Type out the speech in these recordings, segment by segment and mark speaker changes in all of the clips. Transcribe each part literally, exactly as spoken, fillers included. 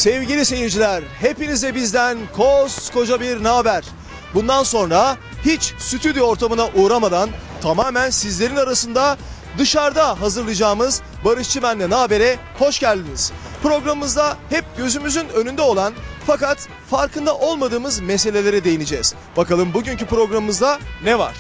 Speaker 1: Sevgili seyirciler, hepinize bizden koskoca bir naber. Bundan sonra hiç stüdyo ortamına uğramadan tamamen sizlerin arasında dışarıda hazırlayacağımız Barış Çimen'le Naber'e hoş geldiniz. Programımızda hep gözümüzün önünde olan fakat farkında olmadığımız meselelere değineceğiz. Bakalım bugünkü programımızda ne var?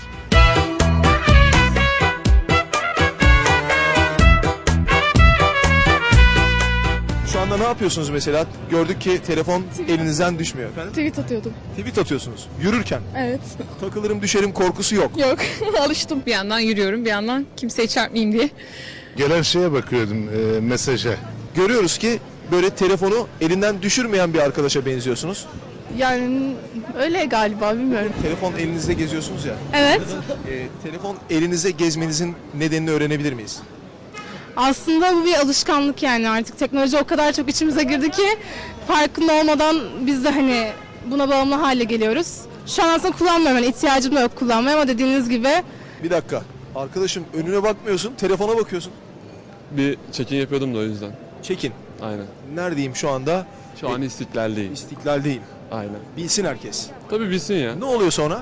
Speaker 1: Şu anda ne yapıyorsunuz mesela? Gördük ki telefon elinizden düşmüyor efendim.
Speaker 2: Tweet atıyordum.
Speaker 1: Tweet atıyorsunuz. Yürürken.
Speaker 2: Evet.
Speaker 1: Takılırım düşerim korkusu yok.
Speaker 2: Yok. Alıştım.
Speaker 3: Bir yandan yürüyorum, bir yandan kimseye çarpmayayım diye.
Speaker 4: Gelen şeye bakıyordum, e, mesaja.
Speaker 1: Görüyoruz ki böyle telefonu elinden düşürmeyen bir arkadaşa benziyorsunuz.
Speaker 2: Yani öyle galiba, bilmiyorum.
Speaker 1: Telefon elinizde geziyorsunuz ya.
Speaker 2: Evet.
Speaker 1: E, telefon elinizde gezmenizin nedenini öğrenebilir miyiz?
Speaker 2: Aslında bu bir alışkanlık yani, artık teknoloji o kadar çok içimize girdi ki farkında olmadan biz de hani buna bağımlı hale geliyoruz. Şu an aslında kullanmıyorum, yani ihtiyacım da yok kullanmaya, ama dediğiniz gibi.
Speaker 1: Bir dakika. Arkadaşım önüne bakmıyorsun, telefona bakıyorsun.
Speaker 5: Bir çekin yapıyordum da o yüzden.
Speaker 1: Çekin.
Speaker 5: Aynen.
Speaker 1: Neredeyim şu anda?
Speaker 5: Şu an istiklaldeyim.
Speaker 1: İstiklaldeyim.
Speaker 5: Aynen.
Speaker 1: Bilsin herkes.
Speaker 5: Tabii bilsin ya.
Speaker 1: Ne oluyor sonra?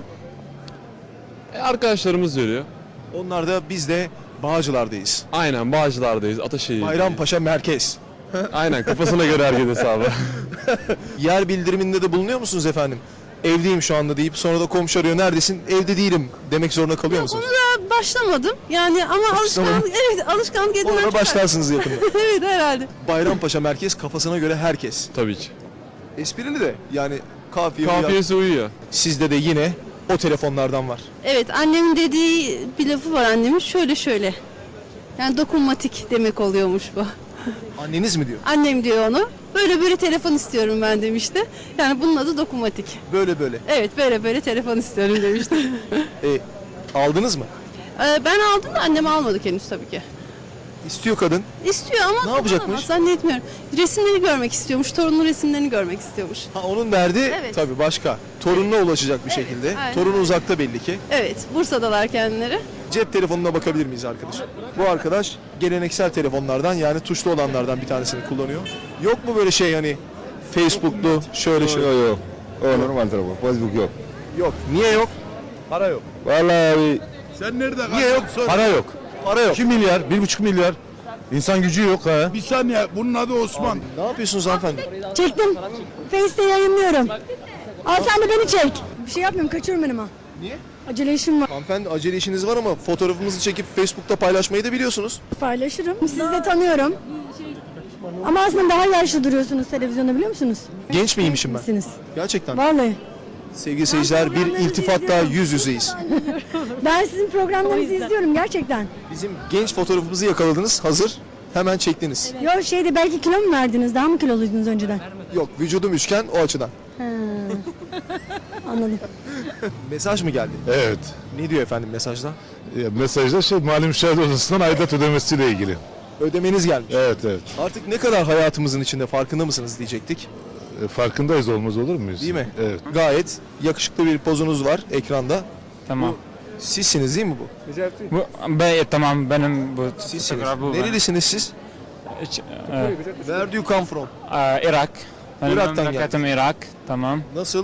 Speaker 5: E, arkadaşlarımız veriyor.
Speaker 1: Onlar da biz de Bağcılar'dayız.
Speaker 5: Aynen Bağcılar'dayız, Ataşehir'deyiz.
Speaker 1: Bayrampaşa merkez.
Speaker 5: Aynen kafasına göre hareket hesabı.
Speaker 1: Yer bildiriminde de bulunuyor musunuz efendim? Evdeyim şu anda deyip sonra da komşu arıyor, neredesin? Evde değilim demek zorunda kalıyor musunuz?
Speaker 6: Ona başlamadım. Yani ama alışkanlık, evet alışkanlık edinmek.
Speaker 1: Ona başlarsınız yakında.
Speaker 6: Evet herhalde.
Speaker 1: Bayrampaşa merkez, kafasına göre herkes.
Speaker 5: Tabii ki.
Speaker 1: Esprili de yani kafiye uyar.
Speaker 5: Kafiyesi uyuyor.
Speaker 1: Sizde de yine o telefonlardan var.
Speaker 6: Evet, annemin dediği bir lafı var annemin, şöyle şöyle. Yani dokunmatik demek oluyormuş bu.
Speaker 1: Anneniz mi diyor?
Speaker 6: Annem diyor onu. Böyle böyle telefon istiyorum ben demişti. Yani bunun adı dokunmatik.
Speaker 1: Böyle böyle.
Speaker 6: Evet, böyle böyle telefon istiyorum demişti.
Speaker 1: E, aldınız mı?
Speaker 6: Ee, ben aldım da annem almadı henüz tabii ki.
Speaker 1: İstiyor kadın.
Speaker 6: İstiyor ama
Speaker 1: Ne yapacakmış?
Speaker 6: kullanamaz, zannetmiyorum. Resimlerini görmek istiyormuş, torunun resimlerini görmek istiyormuş.
Speaker 1: Ha, onun derdi
Speaker 6: Evet.
Speaker 1: tabii başka. Torununa ulaşacak bir şekilde.
Speaker 6: aynen.
Speaker 1: Torunu uzakta belli ki.
Speaker 6: Evet, Bursa'dalar kendileri.
Speaker 1: Cep telefonuna bakabilir miyiz arkadaşım? Bu arkadaş geleneksel telefonlardan, yani tuşlu olanlardan bir tanesini kullanıyor. Yok mu böyle şey hani Facebook'lu şöyle şöyle?
Speaker 4: Yok yok. O normal telefon. Facebook yok.
Speaker 1: Yok. Niye yok? Para yok.
Speaker 4: Vallahi abi,
Speaker 7: Sen nerede
Speaker 1: Niye yok?
Speaker 4: para yok.
Speaker 1: Para yok.
Speaker 4: iki milyar, bir buçuk milyar. İnsan gücü yok ha.
Speaker 7: Bir saniye, bunun adı Osman.
Speaker 1: Ne yapıyorsunuz hanımefendi?
Speaker 8: Çektim. Face'te yayınlıyorum. Al sen de beni çek. Bir şey yapmıyorum, kaçıyorum önüme.
Speaker 1: Niye?
Speaker 8: Acele işim var.
Speaker 1: Hanımefendi acele işiniz var ama fotoğrafımızı çekip Facebook'ta paylaşmayı da biliyorsunuz.
Speaker 8: Paylaşırım. Sizi de tanıyorum. Ama aslında daha yaşlı duruyorsunuz televizyonda, biliyor musunuz?
Speaker 1: Genç miymişim ben?
Speaker 8: Misiniz?
Speaker 1: Gerçekten.
Speaker 8: Vallahi.
Speaker 1: Sevgili seyirciler, bir
Speaker 8: programlarınızı
Speaker 1: iltifatla
Speaker 8: izliyorum.
Speaker 1: yüz yüzeyiz.
Speaker 8: Ben sizin programlarınızı izliyorum gerçekten.
Speaker 1: Bizim genç fotoğrafımızı yakaladınız, hazır. Hemen çektiniz.
Speaker 8: Yok şeyde belki kilo mu verdiniz? Daha mı kiloluydunuz önceden?
Speaker 1: Yok, vücudum üçgen, o açıdan.
Speaker 8: Ha. Anladım.
Speaker 1: Mesaj mı geldi?
Speaker 4: Evet.
Speaker 1: Ne diyor efendim mesajda?
Speaker 4: Ya, mesajda şey, mali müşahede odasından aidat ödemesiyle ilgili.
Speaker 1: Ödemeniz gelmiş.
Speaker 4: Evet evet.
Speaker 1: Artık ne kadar hayatımızın içinde farkında mısınız diyecektik.
Speaker 4: E, farkındayız, olmaz olur muyuz?
Speaker 1: Değil mi?
Speaker 4: Evet.
Speaker 1: Gayet yakışıklı bir pozunuz var ekranda.
Speaker 9: Tamam.
Speaker 1: Sizsiniz değil mi bu?
Speaker 9: Bu, ben, tamam benim bu
Speaker 1: Sizsiniz.
Speaker 9: fotoğraf bu.
Speaker 1: Nerelisiniz siz?
Speaker 9: Hiç, e,
Speaker 1: Where do you come from?
Speaker 9: e, Irak. Benim
Speaker 1: Irak'tan
Speaker 9: memleketim Irak. Tamam.
Speaker 1: Nasıl?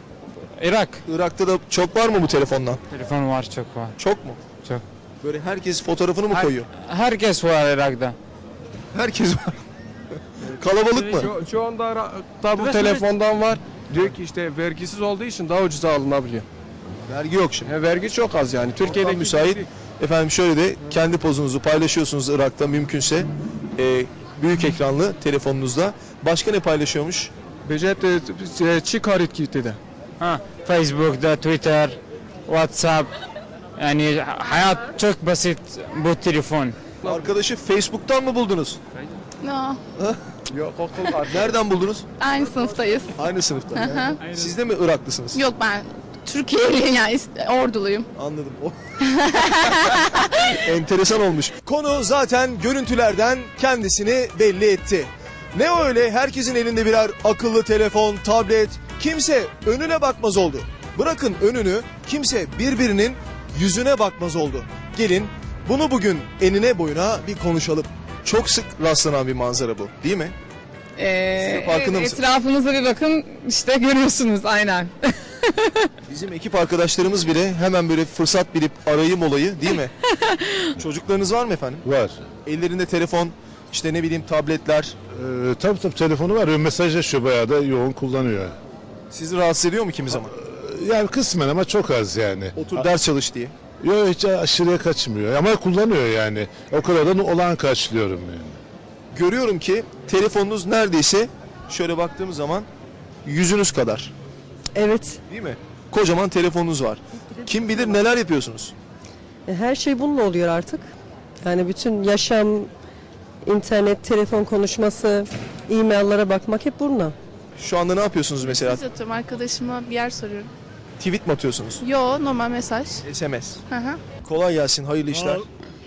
Speaker 9: Irak.
Speaker 1: Irak'ta da çok var mı bu telefondan?
Speaker 9: Telefon var, çok var.
Speaker 1: Çok mu?
Speaker 9: Çok.
Speaker 1: Böyle herkes fotoğrafını mı
Speaker 9: Her-
Speaker 1: koyuyor?
Speaker 9: herkes var Irak'ta.
Speaker 1: Herkes var. Kalabalık mı?
Speaker 10: Şu, şu anda Irak'ta bu telefondan var. Diyor ki işte vergisiz olduğu için daha ucuza alınabiliyor.
Speaker 1: Vergi yok şimdi.
Speaker 10: Yani vergi çok az yani. Türkiye'de
Speaker 1: Ortam müsait. Efendim şöyle de kendi pozunuzu paylaşıyorsunuz Irak'ta mümkünse. Ee, büyük ekranlı telefonunuzda. Başka ne paylaşıyormuş?
Speaker 10: Becet çıkarit gitti de.
Speaker 9: Ha, Facebook'da, Twitter, WhatsApp. Yani hayat çok basit bu telefon.
Speaker 1: Arkadaşı Facebook'tan mı buldunuz?
Speaker 2: No.
Speaker 10: Yok okul var.
Speaker 1: Nereden buldunuz?
Speaker 2: Aynı sınıftayız.
Speaker 1: Aynı sınıfta. Siz de mi Iraklısınız?
Speaker 2: Yok, ben Türkiye'liyim, yani ist- orduluyum.
Speaker 1: Anladım. O- Enteresan olmuş. Konu zaten görüntülerden kendisini belli etti. Ne öyle herkesin elinde birer akıllı telefon, tablet, kimse önüne bakmaz oldu. Bırakın önünü, kimse birbirinin yüzüne bakmaz oldu. Gelin bunu bugün enine boyuna bir konuşalım. Çok sık rastlanan bir manzara bu, değil mi?
Speaker 3: Ee,
Speaker 1: farkında
Speaker 3: evet,
Speaker 1: mısın?
Speaker 3: etrafınıza bir bakın işte görüyorsunuz aynen.
Speaker 1: Bizim ekip arkadaşlarımız bile hemen böyle fırsat bilip arayım olayı değil mi? Çocuklarınız var mı efendim?
Speaker 4: Var.
Speaker 1: Ellerinde telefon, işte ne bileyim tabletler.
Speaker 4: Ee, tabii tabii telefonu var. Mesajlaşıyor, bayağı da yoğun kullanıyor.
Speaker 1: Sizi rahatsız ediyor mu kimi zaman?
Speaker 4: Yani kısmen ama çok az yani.
Speaker 1: Otur ders çalış diye.
Speaker 4: Yok, hiç aşırıya kaçmıyor ama kullanıyor yani. O kadar da olan karşılıyorum yani.
Speaker 1: Görüyorum ki telefonunuz neredeyse şöyle baktığım zaman yüzünüz kadar.
Speaker 11: Evet.
Speaker 1: Değil mi? Kocaman telefonunuz var. Kim bilir neler yapıyorsunuz.
Speaker 11: Her şey bununla oluyor artık. Yani bütün yaşam, internet, telefon konuşması, e-maillere bakmak hep bununla.
Speaker 1: Şu anda ne yapıyorsunuz mesela?
Speaker 2: Mesaj atıyorum arkadaşıma, bir yer soruyorum.
Speaker 1: Tweet mi atıyorsunuz?
Speaker 2: Yo, normal mesaj.
Speaker 1: S M S.
Speaker 2: Hı hı.
Speaker 1: Kolay gelsin, hayırlı işler.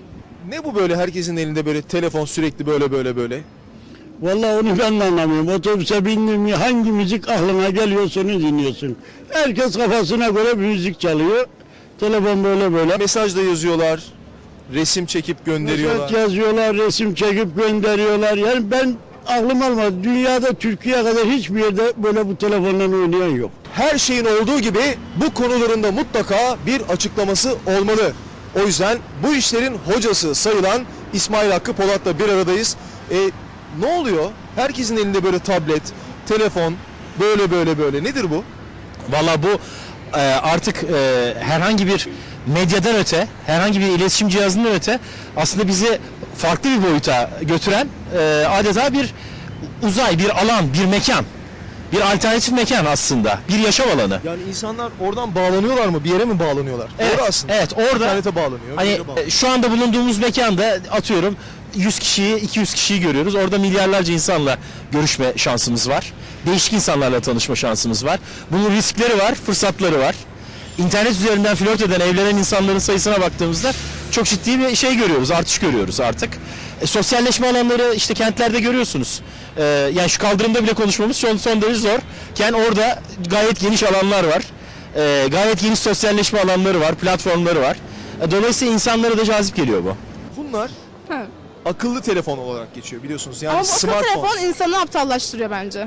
Speaker 1: Ne bu böyle herkesin elinde böyle telefon sürekli böyle böyle böyle?
Speaker 12: Vallahi onu ben de anlamıyorum. Otobüse bindin mi hangi müzik aklına geliyorsa onu dinliyorsun. Herkes kafasına göre bir müzik çalıyor. Telefon böyle böyle.
Speaker 1: Mesaj da yazıyorlar, resim çekip gönderiyorlar.
Speaker 12: Mesaj yazıyorlar, resim çekip gönderiyorlar. Yani ben aklım almadı. Dünyada Türkiye kadar hiçbir yerde böyle bu telefonla oynayan yok.
Speaker 1: Her şeyin olduğu gibi bu konularında mutlaka bir açıklaması olmalı. O yüzden bu işlerin hocası sayılan İsmail Hakkı Polat'la bir aradayız. E, ne oluyor? Herkesin elinde böyle tablet, telefon, böyle böyle böyle. Nedir bu?
Speaker 13: Valla bu e, artık e, herhangi bir medyadan öte, herhangi bir iletişim cihazından öte aslında bizi farklı bir boyuta götüren e, adeta bir uzay, bir alan, bir mekan. Bir alternatif mekan aslında, bir yaşam alanı.
Speaker 1: Yani insanlar oradan bağlanıyorlar mı? Bir yere mi bağlanıyorlar?
Speaker 13: Evet,
Speaker 1: Doğru aslında.
Speaker 13: evet orada
Speaker 1: İnternete bağlanıyor. bir
Speaker 13: hani
Speaker 1: yere bağlanıyor.
Speaker 13: e, şu anda bulunduğumuz mekanda atıyorum yüz kişiyi, iki yüz kişiyi görüyoruz. Orada milyarlarca insanla görüşme şansımız var. Değişik insanlarla tanışma şansımız var. Bunun riskleri var, fırsatları var. İnternet üzerinden flört eden, evlenen insanların sayısına baktığımızda çok ciddi bir şey görüyoruz, artış görüyoruz artık. E, sosyalleşme alanları işte kentlerde görüyorsunuz. E, yani şu kaldırımda bile konuşmamız son, son derece zorken orada gayet geniş alanlar var. E, gayet geniş sosyalleşme alanları var, platformları var. E, dolayısıyla insanlara da cazip geliyor bu.
Speaker 1: Bunlar
Speaker 2: Ha.
Speaker 1: akıllı telefon olarak geçiyor biliyorsunuz. Yani
Speaker 2: Ama bu akıllı
Speaker 1: smartphone.
Speaker 2: telefon insanı aptallaştırıyor bence.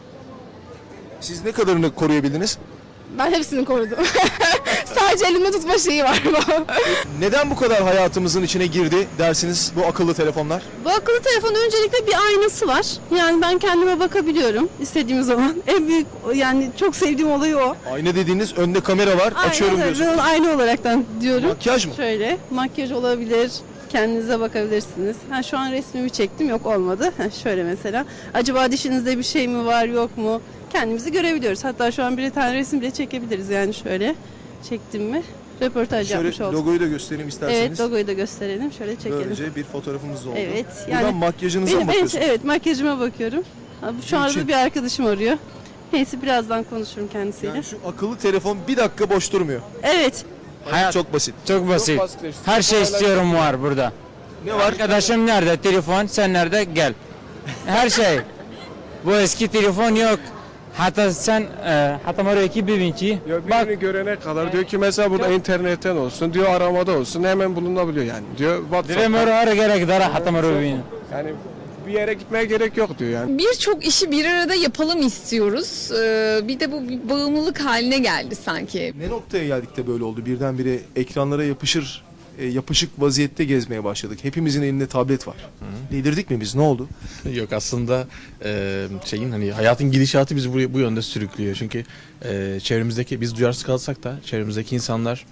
Speaker 1: Siz ne kadarını koruyabildiniz?
Speaker 2: Ben hepsini korudum. Sadece elimde tutma şeyi var.
Speaker 1: Neden bu kadar hayatımızın içine girdi dersiniz bu akıllı telefonlar?
Speaker 6: Bu akıllı telefonun öncelikle bir aynası var. Yani ben kendime bakabiliyorum istediğim zaman. En büyük yani çok sevdiğim olayı o.
Speaker 1: Ayna dediğiniz önde kamera var, açıyorum
Speaker 6: Aynen,
Speaker 1: diyorsunuz.
Speaker 6: ben aynı olaraktan diyorum.
Speaker 1: Makyaj mı?
Speaker 6: Şöyle makyaj olabilir. Kendinize bakabilirsiniz. Ha, şu an resmimi çektim, yok olmadı. Ha, şöyle mesela. Acaba dişinizde bir şey mi var, yok mu? Kendimizi görebiliyoruz. Hatta şu an bir tane resim bile çekebiliriz yani şöyle. Çektim mi? Röportaj
Speaker 1: Şöyle
Speaker 6: yapmış olduk.
Speaker 1: logoyu da göstereyim isterseniz.
Speaker 6: Evet, logoyu da gösterelim. Şöyle çekelim.
Speaker 1: Böylece bir fotoğrafımız da oldu.
Speaker 6: Evet.
Speaker 1: Buradan
Speaker 6: Yani
Speaker 1: makyajınıza
Speaker 6: benim,
Speaker 1: mı
Speaker 6: benim,
Speaker 1: bakıyorsunuz?
Speaker 6: evet, makyajıma bakıyorum. Ha, Şu anda
Speaker 1: için-
Speaker 6: bir arkadaşım arıyor. Neyse birazdan konuşurum kendisiyle.
Speaker 1: Yani şu akıllı telefon bir dakika boş durmuyor.
Speaker 6: Evet.
Speaker 9: Hayat
Speaker 1: Çok basit.
Speaker 9: çok basit. Her şey istiyorum var burada.
Speaker 1: Ne var?
Speaker 9: Arkadaşım nerede? Telefon, sen nerede? Gel. Her şey. Bu eski telefon yok. Hatta sen e, hatta oraya iki birinci.
Speaker 10: Ya
Speaker 9: Bak
Speaker 10: birini görene kadar diyor ki mesela burada internetten olsun, diyor aramada olsun hemen bulunabiliyor yani. Diyor WhatsApp'ta.
Speaker 9: direm oraya gerek dara hatta oraya.
Speaker 10: Yani bir yere gitmeye gerek yok diyor yani.
Speaker 3: Birçok işi bir arada yapalım istiyoruz. Ee, bir de bu bir bağımlılık haline geldi sanki.
Speaker 1: Ne noktaya geldik de böyle oldu? Birdenbire ekranlara yapışır, e, yapışık vaziyette gezmeye başladık. Hepimizin elinde tablet var. Delirdik mi biz? Ne oldu?
Speaker 14: Yok aslında e, şeyin hani hayatın gidişatı bizi buraya bu yönde sürüklüyor. Çünkü e, çevremizdeki biz duyarsız kalsak da çevremizdeki insanlar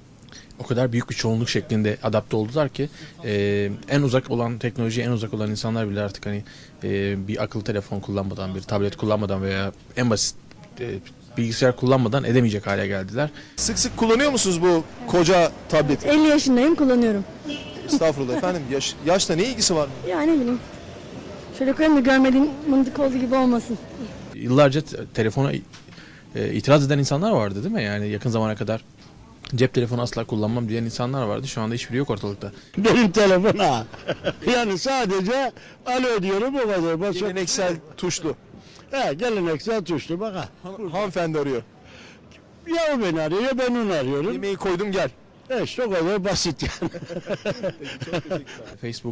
Speaker 14: o kadar büyük bir çoğunluk şeklinde adapte oldular ki e, en uzak olan teknolojiye en uzak olan insanlar bile artık hani e, bir akıllı telefon kullanmadan, bir tablet kullanmadan veya en basit e, bilgisayar kullanmadan edemeyecek hale geldiler.
Speaker 1: Sık sık kullanıyor musunuz bu koca tableti?
Speaker 8: elli yaşındayım, kullanıyorum.
Speaker 1: Estağfurullah efendim. Yaş, yaşla ne ilgisi var?
Speaker 8: Ya ne bileyim. Şöyle koyayım da görmediğin mındık olduğu gibi olmasın.
Speaker 14: Yıllarca te- telefona e, itiraz eden insanlar vardı değil mi? Yani yakın zamana kadar cep telefonu asla kullanmam diyen insanlar vardı. Şu anda hiçbiri yok ortalıkta.
Speaker 12: Benim telefon ha. Yani sadece alo diyorum o kadar. Başka...
Speaker 1: Geleneksel tuşlu.
Speaker 12: He, geleneksel tuşlu bak ha.
Speaker 1: Han- hanımefendi arıyor.
Speaker 12: Ya o beni arıyor ya ben onu arıyorum.
Speaker 1: Yemeği koydum gel.
Speaker 12: E işte o kadar basit yani.
Speaker 14: Facebook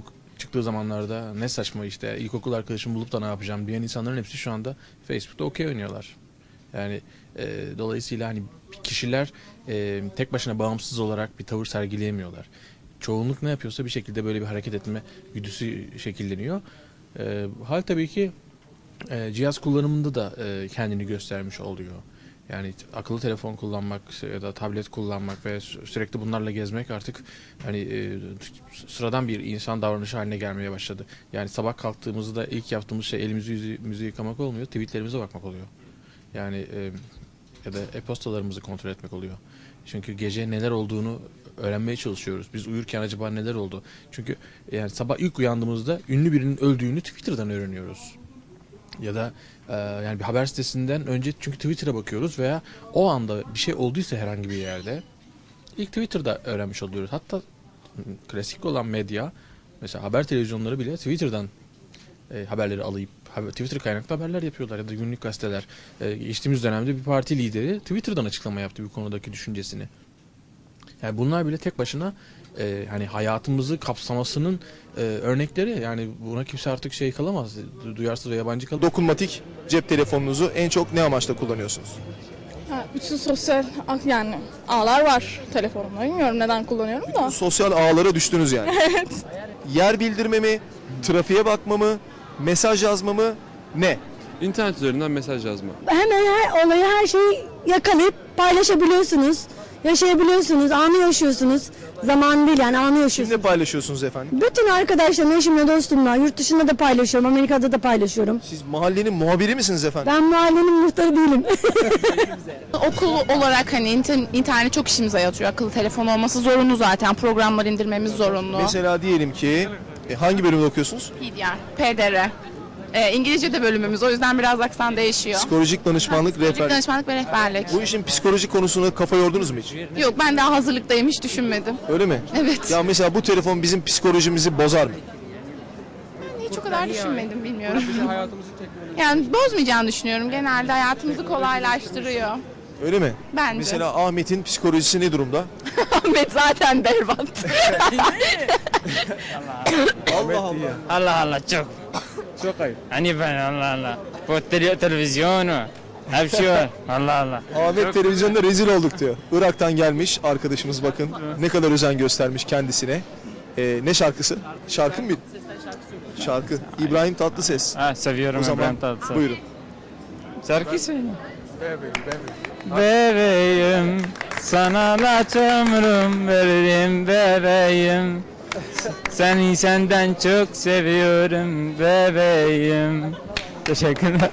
Speaker 14: çıktığı zamanlarda ne saçma işte ilkokul arkadaşımı bulup da ne yapacağım diyen insanların hepsi şu anda Facebook'ta okey oynuyorlar. Yani e, dolayısıyla hani kişiler e, tek başına bağımsız olarak bir tavır sergileyemiyorlar. Çoğunluk ne yapıyorsa bir şekilde böyle bir hareket etme güdüsü şekilleniyor. E, hal tabii ki e, cihaz kullanımında da e, kendini göstermiş oluyor. Yani akıllı telefon kullanmak ya da tablet kullanmak ve sü- sürekli bunlarla gezmek artık hani e, sıradan bir insan davranışı haline gelmeye başladı. Yani sabah kalktığımızda ilk yaptığımız şey elimizi yüzümüzü yıkamak olmuyor, tweetlerimize bakmak oluyor. Yani e, ya da e-postalarımızı kontrol etmek oluyor. Çünkü gece neler olduğunu öğrenmeye çalışıyoruz. Biz uyurken acaba neler oldu? Çünkü yani sabah ilk uyandığımızda ünlü birinin öldüğünü Twitter'dan öğreniyoruz. Ya da e, yani bir haber sitesinden önce çünkü Twitter'a bakıyoruz veya o anda bir şey olduysa herhangi bir yerde ilk Twitter'da öğrenmiş oluyoruz. Hatta klasik olan medya mesela haber televizyonları bile Twitter'dan e, haberleri alıp haber, Twitter kaynaklı haberler yapıyorlar ya da günlük gazeteler. E, geçtiğimiz dönemde bir parti lideri Twitter'dan açıklama yaptı bu konudaki düşüncesini. Yani bunlar bile tek başına e, hani hayatımızı kapsamasının e, örnekleri. Yani buna kimse artık şey kalamaz, duyarsız ve yabancı kalamaz.
Speaker 1: Dokunmatik cep telefonunuzu en çok ne amaçla kullanıyorsunuz?
Speaker 15: Ha, bütün sosyal yani ağlar var telefonumda. Bilmiyorum neden kullanıyorum da.
Speaker 1: Sosyal ağlara düştünüz yani.
Speaker 15: Evet.
Speaker 1: Yer bildirme mi, trafiğe bakma mı, mesaj yazma mı, ne?
Speaker 5: İnternet üzerinden mesaj yazma.
Speaker 8: Hemen her olayı, her şeyi yakalayıp paylaşabiliyorsunuz. Yaşayabiliyorsunuz, anı yaşıyorsunuz. Zaman değil yani anı yaşıyorsunuz.
Speaker 1: Kimle paylaşıyorsunuz efendim?
Speaker 8: Bütün arkadaşlarımla, eşimle, dostumla, yurt dışında da paylaşıyorum, Amerika'da da paylaşıyorum.
Speaker 1: Siz mahallenin muhabiri misiniz efendim?
Speaker 8: Ben mahallenin muhtarı değilim.
Speaker 2: Okul olarak hani inter- internet çok işimize yatıyor. Akıllı telefon olması zorunlu zaten. Programlar indirmemiz zorunlu.
Speaker 1: Mesela diyelim ki e, hangi bölümde okuyorsunuz?
Speaker 2: P D R, P D R. Ee, İngilizce de bölümümüz. O yüzden biraz aksan değişiyor.
Speaker 1: Psikolojik danışmanlık, rehberlik.
Speaker 2: Danışmanlık ve rehberlik.
Speaker 1: Bu işin psikolojik konusuna kafa yordunuz mu hiç?
Speaker 2: Yok, ben daha hazırlıktayım, hiç düşünmedim.
Speaker 1: Öyle mi?
Speaker 2: Evet.
Speaker 1: Ya mesela bu telefon bizim psikolojimizi bozar mı?
Speaker 2: Hiç o kadar düşünmedim, bilmiyorum. Yani bozmayacağını düşünüyorum. Genelde hayatımızı kolaylaştırıyor.
Speaker 1: Öyle mi?
Speaker 2: Bence.
Speaker 1: Mesela Ahmet'in psikolojisi ne durumda?
Speaker 2: Ahmet zaten berbat.
Speaker 1: Allah Allah.
Speaker 9: Allah Allah çok. Çok ayıp. Hani ben Allah Allah. Bu tele- televizyonu. Hep şey var. Allah Allah.
Speaker 1: Ahmet televizyonda rezil olduk diyor. Irak'tan gelmiş arkadaşımız bakın. Ne kadar özen göstermiş kendisine. Ee, ne şarkısı? Şarkı mı? Şarkı. İbrahim Tatlıses.
Speaker 9: Ha, seviyorum
Speaker 1: O zaman
Speaker 9: İbrahim Tatlıses.
Speaker 1: buyurun.
Speaker 9: Şarkı söyle. Bebeğim, sana laç ömrüm veririm bebeğim. Seni senden çok seviyorum bebeğim. Teşekkürler.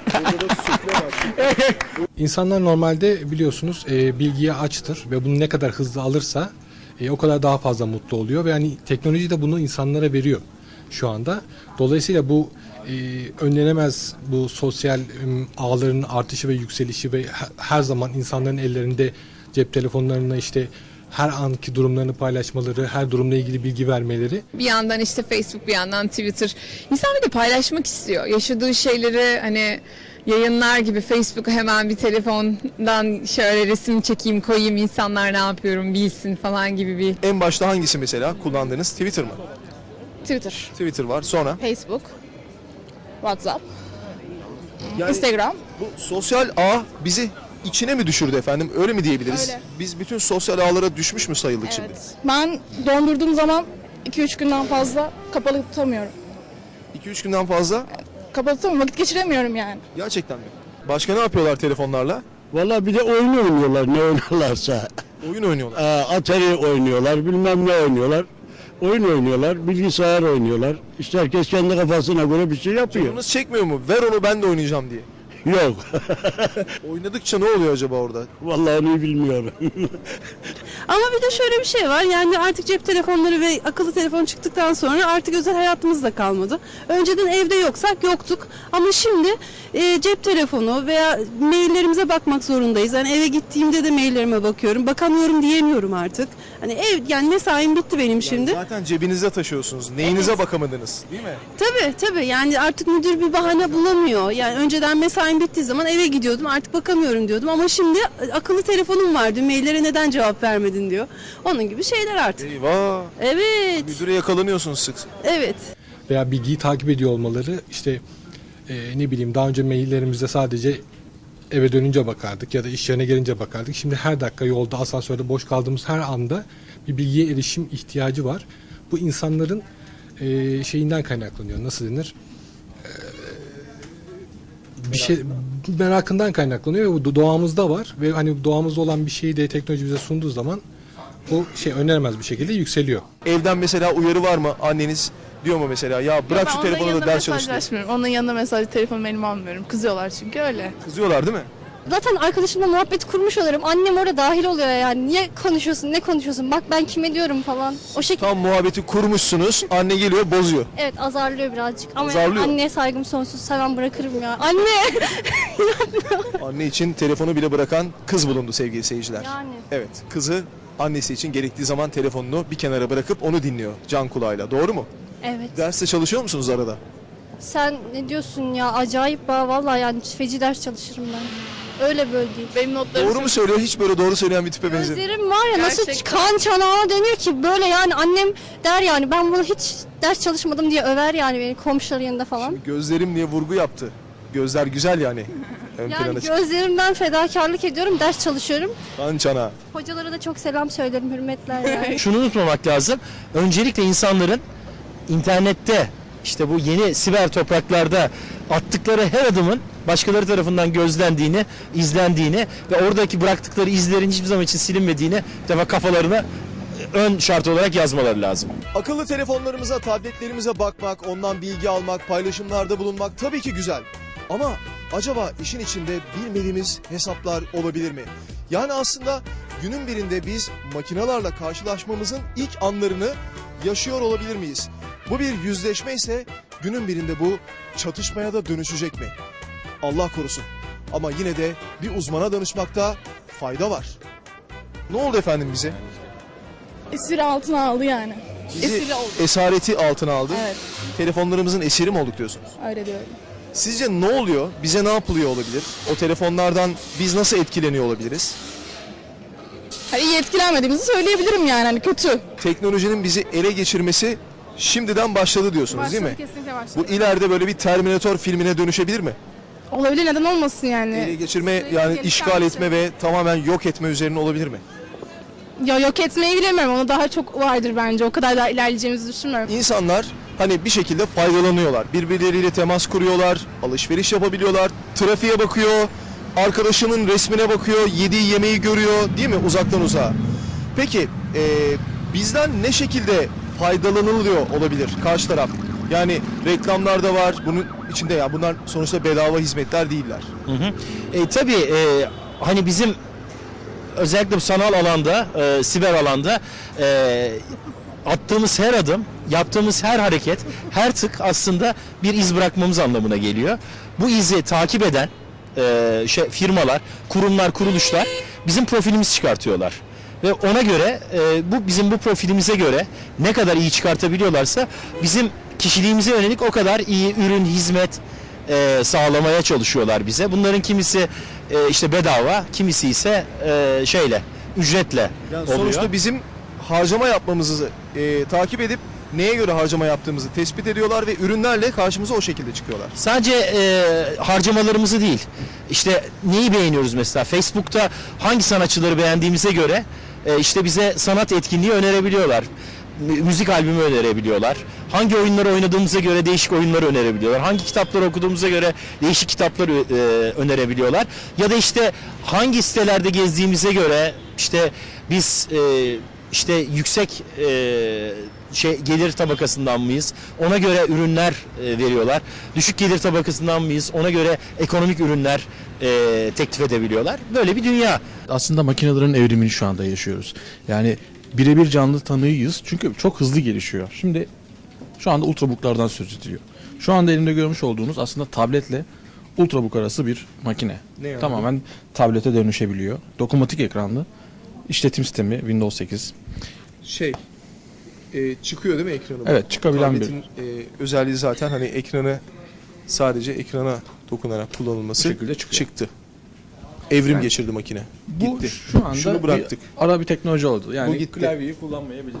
Speaker 16: İnsanlar normalde biliyorsunuz e, bilgiye açtır ve bunu ne kadar hızlı alırsa e, o kadar daha fazla mutlu oluyor ve yani teknoloji de bunu insanlara veriyor şu anda. Dolayısıyla bu e, önlenemez bu sosyal e, ağların artışı ve yükselişi ve her, her zaman insanların ellerinde cep telefonlarına işte her anki durumlarını paylaşmaları, her durumla ilgili bilgi vermeleri.
Speaker 3: Bir yandan işte Facebook, bir yandan Twitter. İnsan bir de paylaşmak istiyor. Yaşadığı şeyleri hani yayınlar gibi Facebook'a hemen bir telefondan şöyle resim çekeyim, koyayım, insanlar ne yapıyorum bilsin falan gibi bir.
Speaker 1: En başta hangisi mesela kullandığınız? Twitter mı?
Speaker 2: Twitter,
Speaker 1: Twitter var. Sonra?
Speaker 2: Facebook, WhatsApp,
Speaker 1: Yani
Speaker 2: Instagram.
Speaker 1: Bu sosyal ağ bizi içine mi düşürdü efendim? Öyle mi diyebiliriz?
Speaker 2: Öyle.
Speaker 1: Biz bütün sosyal ağlara düşmüş mü sayıldık şimdi?
Speaker 15: Ben dondurduğum zaman iki üç günden fazla kapalı tutamıyorum.
Speaker 1: iki üç günden fazla?
Speaker 15: Kapalı tutamıyorum, vakit geçiremiyorum yani.
Speaker 1: Gerçekten mi? Başka ne yapıyorlar telefonlarla?
Speaker 12: Valla bir de oyun oynuyorlar ne oynuyorlarsa.
Speaker 1: Oyun oynuyorlar.
Speaker 12: Aa, Atari oynuyorlar, bilmem ne oynuyorlar. Oyun oynuyorlar, bilgisayar oynuyorlar. İşte herkes kendi kafasına göre bir şey yapıyor.
Speaker 1: Canınız çekmiyor mu? Ver onu ben de oynayacağım diye.
Speaker 12: Yok.
Speaker 1: Oynadıkça ne oluyor acaba orada?
Speaker 12: Vallahi onu bilmiyorum.
Speaker 6: Ama bir de şöyle bir şey var, yani artık cep telefonları ve akıllı telefon çıktıktan sonra artık özel hayatımız da kalmadı. Önceden evde yoksak yoktuk ama şimdi e, cep telefonu veya maillerimize bakmak zorundayız. Yani eve gittiğimde de maillerime bakıyorum, bakamıyorum diyemiyorum artık. Hani ev, yani mesaim bitti benim şimdi.
Speaker 1: Zaten cebinizde taşıyorsunuz. Neyinize bakamadınız değil mi?
Speaker 6: Tabii tabii, yani artık müdür bir bahane bulamıyor. Yani önceden mesaim bittiği zaman eve gidiyordum, artık bakamıyorum diyordum ama şimdi akıllı telefonum vardı, maillere neden cevap vermedin diyor. Onun gibi şeyler artık.
Speaker 1: Eyvah.
Speaker 6: Evet.
Speaker 1: Müdüre yakalanıyorsunuz sık.
Speaker 6: Evet.
Speaker 16: veya bilgiyi takip ediyor olmaları, işte e, ne bileyim daha önce maillerimizde sadece eve dönünce bakardık ya da iş yerine gelince bakardık. Şimdi her dakika yolda, asansörde, boş kaldığımız her anda bir bilgiye erişim ihtiyacı var. Bu insanların e, şeyinden kaynaklanıyor. Nasıl denir? E, bir şey merakından kaynaklanıyor ve bu doğamızda var ve hani doğamızda olan bir şeyi de teknoloji bize sunduğu zaman bu şey önermez bir şekilde yükseliyor.
Speaker 1: Evden mesela uyarı var mı? Anneniz diyor mu mesela ya bırak
Speaker 15: Ben
Speaker 1: şu
Speaker 15: onların
Speaker 1: telefonu da
Speaker 15: yanında
Speaker 1: ders çalış diye.
Speaker 15: mesajlaşmıyorum. Onun yanında mesaj, telefonumu elime almıyorum. Kızıyorlar çünkü öyle.
Speaker 1: Kızıyorlar değil mi?
Speaker 8: Zaten arkadaşımla muhabbet kurmuş olurum. Annem orada dahil oluyor yani. Niye konuşuyorsun, ne konuşuyorsun? Bak ben kime diyorum falan. O şekilde.
Speaker 1: Tam muhabbeti kurmuşsunuz. Anne geliyor bozuyor.
Speaker 8: Evet, azarlıyor birazcık. Ama
Speaker 1: Azarlıyor.
Speaker 8: anneye saygım sonsuz. Hemen bırakırım ya. Anne!
Speaker 1: Anne için telefonu bile bırakan kız bulundu sevgili seyirciler.
Speaker 8: Yani.
Speaker 1: Evet, kızı annesi için gerektiği zaman telefonunu bir kenara bırakıp onu dinliyor can kulağıyla. Doğru mu?
Speaker 8: Evet.
Speaker 1: Derste çalışıyor musunuz arada?
Speaker 8: Sen ne diyorsun ya? Acayip ba vallahi yani feci ders çalışırım ben. Öyle böyle değil.
Speaker 15: Benim notlarım
Speaker 1: Doğru mu söylüyor? Hiç böyle doğru söyleyen bir tipe benziyor.
Speaker 8: Gözlerim var ya nasıl
Speaker 15: Gerçekten.
Speaker 8: kan çanağına dönüyor ki böyle yani annem der yani ben bunu hiç ders çalışmadım diye över yani beni komşuların yanında falan.
Speaker 1: Gözlerim diye vurgu yaptı. Gözler güzel yani. Ön
Speaker 8: Yani
Speaker 1: plana çıktı.
Speaker 8: gözlerimden fedakarlık ediyorum, ders çalışıyorum.
Speaker 1: Kan çanağı.
Speaker 8: Hocalara da çok selam söylerim, hürmetler yani.
Speaker 13: Şunu unutmamak lazım. Öncelikle insanların internette işte bu yeni siber topraklarda attıkları her adımın başkaları tarafından gözlendiğini, izlendiğini ve oradaki bıraktıkları izlerin hiçbir zaman için silinmediğini bir defa kafalarına ön şart olarak yazmaları lazım.
Speaker 1: Akıllı telefonlarımıza, tabletlerimize bakmak, ondan bilgi almak, paylaşımlarda bulunmak tabii ki güzel. Ama acaba işin içinde bilmediğimiz hesaplar olabilir mi? Yani aslında günün birinde biz makinelerle karşılaşmamızın ilk anlarını yaşıyor olabilir miyiz? Bu bir yüzleşme ise günün birinde bu çatışmaya da dönüşecek mi? Allah korusun. Ama yine de bir uzmana danışmakta fayda var. Ne oldu efendim bize?
Speaker 15: Esir altına aldı yani.
Speaker 1: Bizi
Speaker 15: Esiri oldu.
Speaker 1: esareti altına aldı.
Speaker 15: Evet.
Speaker 1: Telefonlarımızın esiri mi olduk diyorsunuz?
Speaker 15: Öyle diyorum.
Speaker 1: Sizce ne oluyor? Bize ne yapılıyor olabilir? O telefonlardan biz nasıl etkileniyor olabiliriz?
Speaker 15: Hani iyi etkilenmediğimizi söyleyebilirim yani hani kötü.
Speaker 1: Teknolojinin bizi ele geçirmesi şimdiden başladı diyorsunuz değil mi?
Speaker 15: Başladı, kesinlikle başladı.
Speaker 1: Bu ileride böyle bir Terminator filmine dönüşebilir mi?
Speaker 2: Olabilir, neden olmasın yani.
Speaker 1: Ele geçirme yani
Speaker 2: gelişen
Speaker 1: işgal
Speaker 2: bir
Speaker 1: etme ve tamamen yok etme üzerine olabilir mi?
Speaker 2: Ya yok etmeyi bilemiyorum, onu daha çok vardır bence. O kadar daha ilerleyeceğimizi düşünmüyorum.
Speaker 1: İnsanlar hani bir şekilde faydalanıyorlar. Birbirleriyle temas kuruyorlar, alışveriş yapabiliyorlar, trafiğe bakıyor, arkadaşının resmine bakıyor, yediği yemeği görüyor değil mi uzaktan uzağa? Peki e, bizden ne şekilde faydalanılıyor olabilir karşı taraf? Yani reklamlarda var, bunun içinde ya bunlar sonuçta bedava hizmetler değiller.
Speaker 13: Hı hı. E, tabii e, hani bizim özellikle bu sanal alanda, e, siber alanda e, attığımız her adım, yaptığımız her hareket, her tık aslında bir iz bırakmamız anlamına geliyor. Bu izi takip eden e, şey, firmalar, kurumlar, kuruluşlar bizim profilimizi çıkartıyorlar. Ve ona göre, e, bu bizim bu profilimize göre ne kadar iyi çıkartabiliyorlarsa bizim kişiliğimize yönelik o kadar iyi ürün, hizmet e, sağlamaya çalışıyorlar bize. Bunların kimisi e, işte bedava, kimisi ise e, şeyle, ücretle
Speaker 1: Yani
Speaker 13: oluyor.
Speaker 1: sonuçta bizim harcama yapmamızı e, takip edip neye göre harcama yaptığımızı tespit ediyorlar ve ürünlerle karşımıza o şekilde çıkıyorlar.
Speaker 13: Sadece e, harcamalarımızı değil, işte neyi beğeniyoruz mesela, Facebook'ta hangi sanatçıları beğendiğimize göre e, işte bize sanat etkinliği önerebiliyorlar. Mü- Müzik albümü önerebiliyorlar. Hangi oyunları oynadığımıza göre değişik oyunları önerebiliyorlar. Hangi kitapları okuduğumuza göre değişik kitapları e, önerebiliyorlar. Ya da işte hangi sitelerde gezdiğimize göre işte biz e, işte yüksek e, şey gelir tabakasından mıyız? Ona göre ürünler e, veriyorlar. Düşük gelir tabakasından mıyız? Ona göre ekonomik ürünler e, teklif edebiliyorlar. Böyle bir dünya.
Speaker 14: Aslında makinelerin evrimini şu anda yaşıyoruz. Yani birebir canlı tanığıyız çünkü çok hızlı gelişiyor. Şimdi şu anda ultrabooklardan söz ediliyor. Şu anda elimde görmüş olduğunuz aslında tabletle ultrabook arası bir makine.
Speaker 1: Ne yani?
Speaker 14: Tamamen tablete dönüşebiliyor. Dokunmatik ekranlı. İşletim sistemi Windows sekiz.
Speaker 1: Şey e, çıkıyor değil mi ekranı?
Speaker 14: Evet, çıkabilen bir-
Speaker 1: Tabletin, e, özelliği zaten hani ekranı sadece ekrana dokunarak kullanılması
Speaker 14: Bu şekilde çıkıyor.
Speaker 1: çıktı. Evrim
Speaker 14: Yani
Speaker 1: geçirdi makine.
Speaker 14: Bu
Speaker 1: Gitti.
Speaker 14: şu anda
Speaker 1: Şunu bıraktık.
Speaker 14: bir ara bir teknoloji oldu. Yani
Speaker 1: Bu gitti.
Speaker 14: klavyeyi kullanmayabiliriz.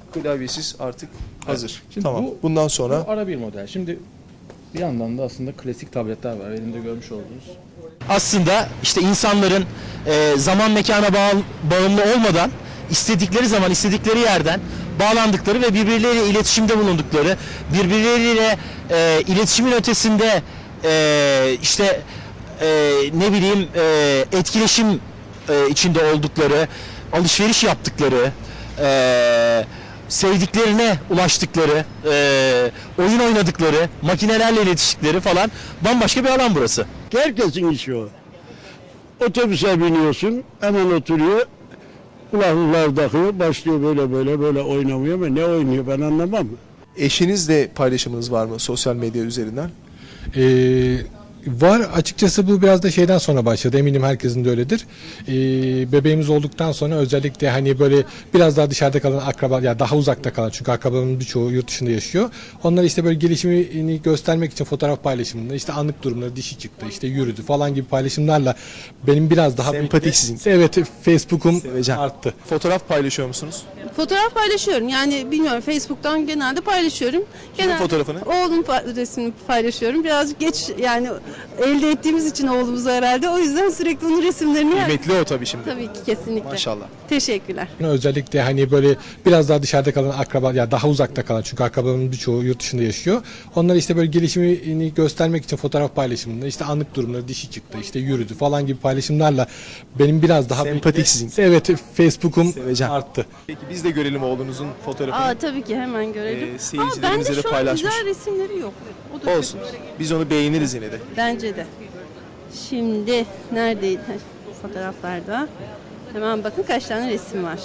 Speaker 1: Klavyesiz artık hazır.
Speaker 14: Şimdi
Speaker 1: Tamam.
Speaker 14: bu-
Speaker 1: Bundan sonra
Speaker 14: Bu ara bir model. Şimdi bir yandan da aslında klasik tabletler var. Elimde görmüş olduğunuz.
Speaker 13: Aslında işte insanların e, zaman mekana bağ- bağımlı olmadan istedikleri zaman istedikleri yerden bağlandıkları ve birbirleriyle iletişimde bulundukları, birbirleriyle e, iletişimin ötesinde e, işte e, ne bileyim e, etkileşim e, içinde oldukları, alışveriş yaptıkları, e, sevdiklerine ulaştıkları, e, oyun oynadıkları, makinelerle iletiştikleri falan bambaşka bir alan burası.
Speaker 12: Herkesin işi o. Otobüse biniyorsun, hemen oturuyor, kulaklıklar takıyor, başlıyor böyle böyle böyle oynamıyor ama ne oynuyor ben anlamam.
Speaker 1: eşinizle paylaşımınız var mı sosyal medya üzerinden?
Speaker 16: Ee, var açıkçası, bu biraz da şeyden sonra başladı, eminim herkesin de öyledir. Ee, bebeğimiz olduktan sonra özellikle hani böyle biraz daha dışarıda kalan akraba, ya daha uzakta kalan, çünkü akrabalarımın birçoğu yurt dışında yaşıyor. Onlar işte böyle gelişimini göstermek için fotoğraf paylaşımında işte anlık durumları, dişi çıktı, işte yürüdü falan gibi paylaşımlarla benim biraz daha
Speaker 1: Sempatik sizin.
Speaker 16: Evet, Facebook'um arttı.
Speaker 1: Fotoğraf paylaşıyor musunuz?
Speaker 6: Fotoğraf paylaşıyorum. Yani bilmiyorum, Facebook'tan genelde paylaşıyorum.
Speaker 1: Kimin fotoğrafını?
Speaker 6: Oğlum pa- resmini paylaşıyorum. Birazcık geç yani elde ettiğimiz için oğlumuzu herhalde. O yüzden sürekli onun resimlerini...
Speaker 1: Kıymetli o tabii şimdi.
Speaker 6: Tabii ki, kesinlikle.
Speaker 1: Maşallah.
Speaker 6: Teşekkürler.
Speaker 16: Özellikle hani böyle biraz daha dışarıda kalan akraba, ya daha uzakta kalan, çünkü akrabalarımın birçoğu yurt dışında yaşıyor. Onlar işte böyle gelişimini göstermek için fotoğraf paylaşımında işte anlık durumları, dişi çıktı, işte yürüdü falan gibi paylaşımlarla benim biraz daha
Speaker 1: Sempatik sizin.
Speaker 16: Evet, Facebook'um arttı.
Speaker 1: Peki biz de görelim oğlunuzun fotoğrafını.
Speaker 6: Aa, tabii ki hemen görelim.
Speaker 1: Ee,
Speaker 6: Aa,
Speaker 1: seyircilerimize
Speaker 6: bende
Speaker 1: de
Speaker 6: şu an
Speaker 1: paylaşmış.
Speaker 6: güzel resimleri yok. O da
Speaker 1: Olsun.
Speaker 6: kötü.
Speaker 1: Biz onu beğeniriz yine de.
Speaker 6: Bence de. Şimdi neredeydi? Fotoğraflarda. Hemen bakın kaç tane resim var.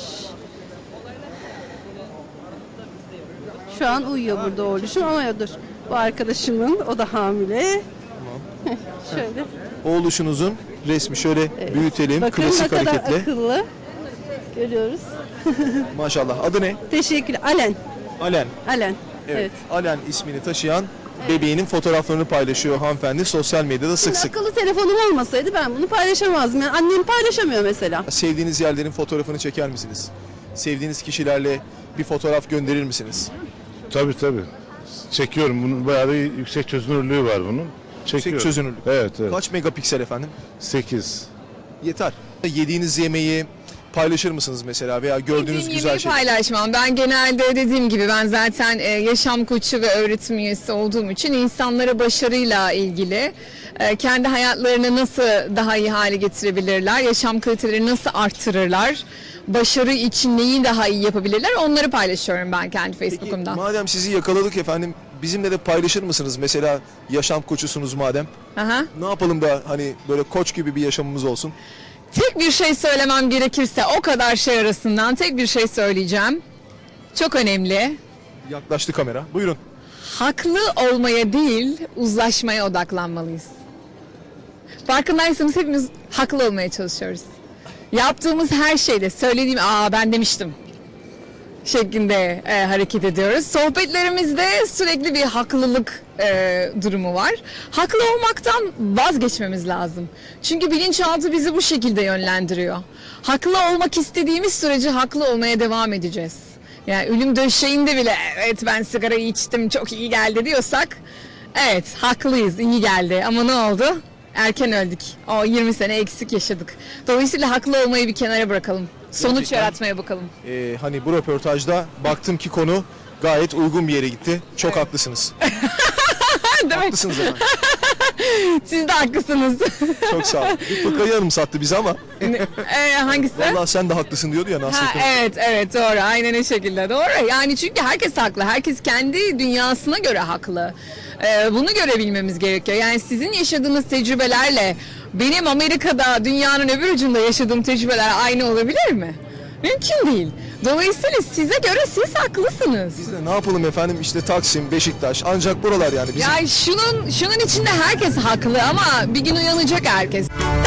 Speaker 6: Şu an uyuyor burada oğluşum ama ya dur. Bu arkadaşımın, o da hamile.
Speaker 1: Tamam.
Speaker 6: Şöyle.
Speaker 1: Oğluşunuzun resmi şöyle büyütelim.
Speaker 6: Bakın
Speaker 1: Klasik
Speaker 6: ne kadar
Speaker 1: hareketle.
Speaker 6: akıllı. Görüyoruz.
Speaker 1: Maşallah. Adı ne?
Speaker 6: Teşekkür. Alen.
Speaker 1: Alen.
Speaker 6: Alen.
Speaker 1: Evet.
Speaker 6: Evet.
Speaker 1: Alen ismini taşıyan bebeğinin fotoğraflarını paylaşıyor hanımefendi sosyal medyada sık sık.
Speaker 6: Akıllı telefonum olmasaydı ben bunu paylaşamazdım. Yani annem paylaşamıyor mesela.
Speaker 1: Sevdiğiniz yerlerin fotoğrafını çeker misiniz? Sevdiğiniz kişilerle bir fotoğraf gönderir misiniz?
Speaker 4: Tabii tabii. Çekiyorum. Bunun bayağı bir yüksek çözünürlüğü var bunun. Çekiyorum.
Speaker 1: Yüksek çözünürlük.
Speaker 4: Evet, evet.
Speaker 1: Kaç megapiksel efendim?
Speaker 4: sekiz.
Speaker 1: Yeter. Yediğiniz yemeği paylaşır mısınız mesela veya gördüğünüz
Speaker 3: Yediğim
Speaker 1: güzel
Speaker 3: yemeği
Speaker 1: şey?
Speaker 3: paylaşmam. Ben genelde dediğim gibi ben zaten e, yaşam koçu ve öğretim üyesi olduğum için insanlara başarıyla ilgili e, kendi hayatlarını nasıl daha iyi hale getirebilirler, yaşam kalitelerini nasıl arttırırlar, başarı için neyi daha iyi yapabilirler, onları paylaşıyorum ben kendi Facebook'umdan.
Speaker 1: Madem sizi yakaladık efendim, bizimle de paylaşır mısınız? Mesela yaşam koçusunuz madem.
Speaker 3: Aha.
Speaker 1: Ne yapalım da hani böyle koç gibi bir yaşamımız olsun?
Speaker 3: Tek bir şey söylemem gerekirse o kadar şey arasından tek bir şey söyleyeceğim. Çok önemli.
Speaker 1: Yaklaştı kamera. Buyurun.
Speaker 3: Haklı olmaya değil, uzlaşmaya odaklanmalıyız. Farkındaysanız hepimiz haklı olmaya çalışıyoruz. Yaptığımız her şeyde söylediğim, aa ben demiştim şeklinde e, hareket ediyoruz. Sohbetlerimizde sürekli bir haklılık e, durumu var. Haklı olmaktan vazgeçmemiz lazım. Çünkü bilinçaltı bizi bu şekilde yönlendiriyor. Haklı olmak istediğimiz sürece haklı olmaya devam edeceğiz. Yani ölüm döşeğinde bile evet ben sigarayı içtim çok iyi geldi diyorsak evet haklıyız, iyi geldi ama ne oldu? Erken öldük. O yirmi sene eksik yaşadık. Dolayısıyla haklı olmayı bir kenara bırakalım. Sonuç
Speaker 1: Gerçekten,
Speaker 3: yaratmaya bakalım.
Speaker 1: e, hani bu röportajda baktım ki konu gayet uygun bir yere gitti. Çok evet. haklısınız. Haklısınız efendim.
Speaker 3: Siz de haklısınız.
Speaker 1: Çok sağ olun. Bir fıkrayı hanım sattı bize ama.
Speaker 3: ee, hangisi?
Speaker 1: Vallahi sen de haklısın diyordu ya Nasrettin.
Speaker 3: Ha, evet evet doğru aynen o şekilde doğru. Yani çünkü herkes haklı. Herkes kendi dünyasına göre haklı. Ee, bunu görebilmemiz gerekiyor. Yani sizin yaşadığınız tecrübelerle benim Amerika'da dünyanın öbür ucunda yaşadığım tecrübeler aynı olabilir mi? Mümkün değil. Dolayısıyla size göre siz haklısınız.
Speaker 1: Biz de ne yapalım efendim işte Taksim, Beşiktaş ancak buralar yani. Bizim...
Speaker 3: Ya şunun şunun içinde herkes haklı ama bir gün uyanacak herkes.